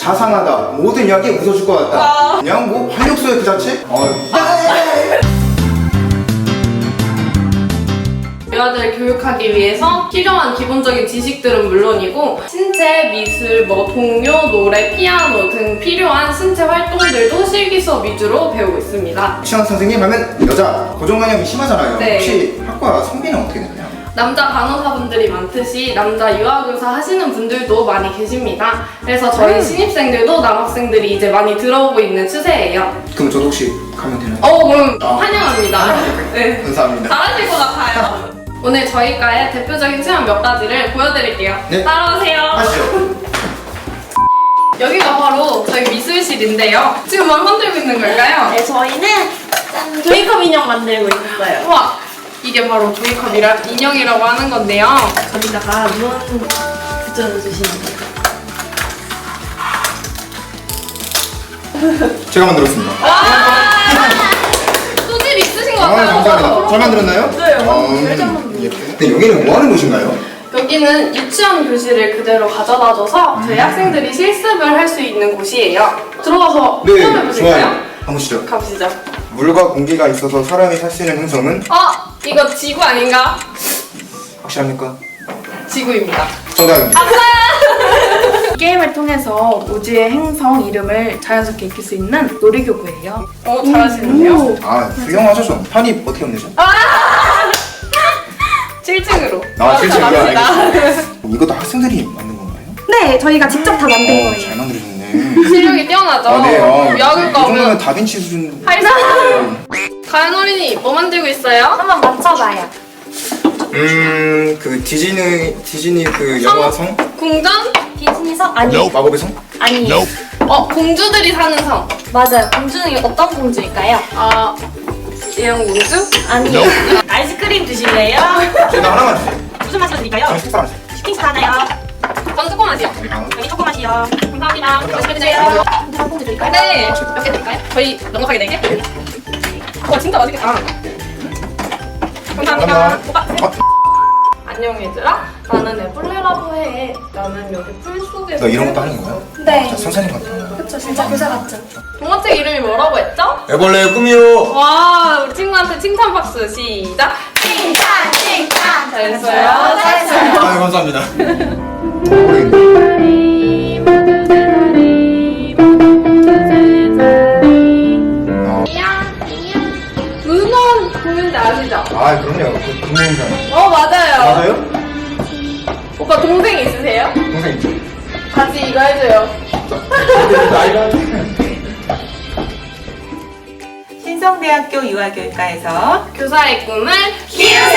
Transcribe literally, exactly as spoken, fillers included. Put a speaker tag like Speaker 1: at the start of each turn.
Speaker 1: 자상하다, 모든 이야기 웃어줄 것 같다.
Speaker 2: 아.
Speaker 1: 그냥 뭐 활력소의 그 자체? 어.
Speaker 2: 유아들을 교육하기 위해서 필요한 기본적인 지식들은 물론이고 신체, 미술, 뭐 동요, 노래, 피아노 등 필요한 신체 활동들도 실기 수업 위주로 배우고 있습니다.
Speaker 1: 취향 선생님 하면 여자, 고정관념이 심하잖아요.
Speaker 2: 네.
Speaker 1: 혹시 학과 성비는 어떻게 되나요?
Speaker 2: 남자 간호사분들이 많듯이 남자 유아교사 하시는 분들도 많이 계십니다. 그래서 저희
Speaker 1: 음.
Speaker 2: 신입생들도 남학생들이 이제 많이 들어오고 있는 추세예요.
Speaker 1: 그럼 저도 혹시 가면 되나요?
Speaker 2: 어, 그럼
Speaker 1: 아.
Speaker 2: 환영합니다. 네.
Speaker 1: 감사합니다.
Speaker 2: 잘하실 것 같아요. 오늘 저희과의 대표적인 체험 몇 가지를 보여드릴게요.
Speaker 1: 네.
Speaker 2: 따라오세요.
Speaker 1: 하시죠.
Speaker 2: 여기가 바로 저희 미술실인데요. 지금 뭘 만들고 있는 걸까요?
Speaker 3: 네, 저희는 짠, 조이컵 인형 만들고 있어요.
Speaker 2: 우와! 이게 바로 조이컵 인형이라고 하는 건데요.
Speaker 3: 거기다가 눈 붙여주시면 돼요.
Speaker 1: 제가 만들었습니다.
Speaker 2: 소질 있으신 것
Speaker 1: 아,
Speaker 2: 같아요.
Speaker 1: 감사합니다. 잘 만들었나요?
Speaker 3: 네,
Speaker 1: 음,
Speaker 3: 잘 만들었어요.
Speaker 1: 예. 근데 여기는 뭐 하는 곳인가요?
Speaker 2: 여기는 유치원 교실을 그대로 가져다줘서 저희 학생들이 실습을 할 수 있는 곳이에요. 들어가서
Speaker 1: 네,
Speaker 2: 체험해보실까요?
Speaker 1: 좋아요. 가보시죠.
Speaker 2: 가보시죠.
Speaker 1: 물과 공기가 있어서 사람이 살 수 있는 행성은
Speaker 2: 어? 이거 지구 아닌가?
Speaker 1: 확실합니까?
Speaker 2: 지구입니다.
Speaker 1: 정답입니다.
Speaker 4: 게임을 통해서 우주의 행성 이름을 자연스럽게 익힐 수 있는 놀이교구예요.
Speaker 2: 어, 잘하시는데요?
Speaker 1: 아, 훌륭하죠, 좀. 판이 어떻게 없네죠?
Speaker 2: 칠 층으로.
Speaker 1: 아, 칠 층이요? 알겠습니다. 이것도 학생들이 만든 건가요?
Speaker 4: 네, 저희가 직접 다 만든
Speaker 1: 어,
Speaker 4: 거예요.
Speaker 1: 잘 만들어줬네.
Speaker 2: 실력이 뛰어나죠?
Speaker 1: 아, 네. 어, 이
Speaker 2: 유아교과
Speaker 1: 정도면
Speaker 2: 오면
Speaker 1: 다빈치 수준.
Speaker 2: 할 수 있어요. 가연 어린이 뭐 만들고 있어요?
Speaker 4: 한번 맞춰봐요.
Speaker 1: 음, 그 디즈니, 디즈니 그 영화성?
Speaker 2: 궁전?
Speaker 4: 디즈니 성? 아니요.
Speaker 1: 마법의 성?
Speaker 4: 아니에요.
Speaker 2: 어, 공주들이 사는 성.
Speaker 4: 맞아요. 공주는 어떤 공주일까요?
Speaker 2: 아, 예영공주?
Speaker 4: 아니에요.
Speaker 3: 아이스크림 드실래요?
Speaker 1: 제가 하나만 주세요.
Speaker 3: 무슨 맛으로 드릴까요?
Speaker 1: 저는 식사 안 주세요.
Speaker 3: 슈팅스 하나요?
Speaker 2: 전 조그마시요.
Speaker 1: 아,
Speaker 3: 여기 초코맛이요.
Speaker 2: 감사합니다. 맛있게 드세요.
Speaker 4: 한 공주 드릴까요?
Speaker 2: 네. 몇 개 드릴까요? 저희 넉넉하게 네 개? 와, 진짜 맛있겠다. 감사합니다.
Speaker 1: 감사합니다.
Speaker 2: 오빠.
Speaker 1: 아,
Speaker 2: 안녕 얘들아. 나는 애벌레라고 해. 나는 여기 풀 속에서.
Speaker 1: 너 이런 것도 하는 거야?
Speaker 4: 네.
Speaker 1: 진짜 선생님 같아.
Speaker 4: 그쵸, 진짜 교사 같죠?
Speaker 2: 동화책 이름이 뭐라고 했죠?
Speaker 1: 애벌레의 꿈이요.
Speaker 2: 와, 우리 친구한테 칭찬 박수 시작. 칭찬, 칭찬. 잘했어요. 잘했어요.
Speaker 1: 아, 감사합니다.
Speaker 2: 문원 공연대 아시죠?
Speaker 1: 아, 그럼요. 그 동영상.
Speaker 2: 어, 맞아요.
Speaker 1: 맞아요?
Speaker 2: 오빠 동생 있으세요?
Speaker 1: 동생 있죠?
Speaker 2: 같이 이거 해줘요.
Speaker 1: 나이가.
Speaker 3: 신성대학교 유아교육과에서
Speaker 2: 교사의 꿈을
Speaker 3: 키우세요.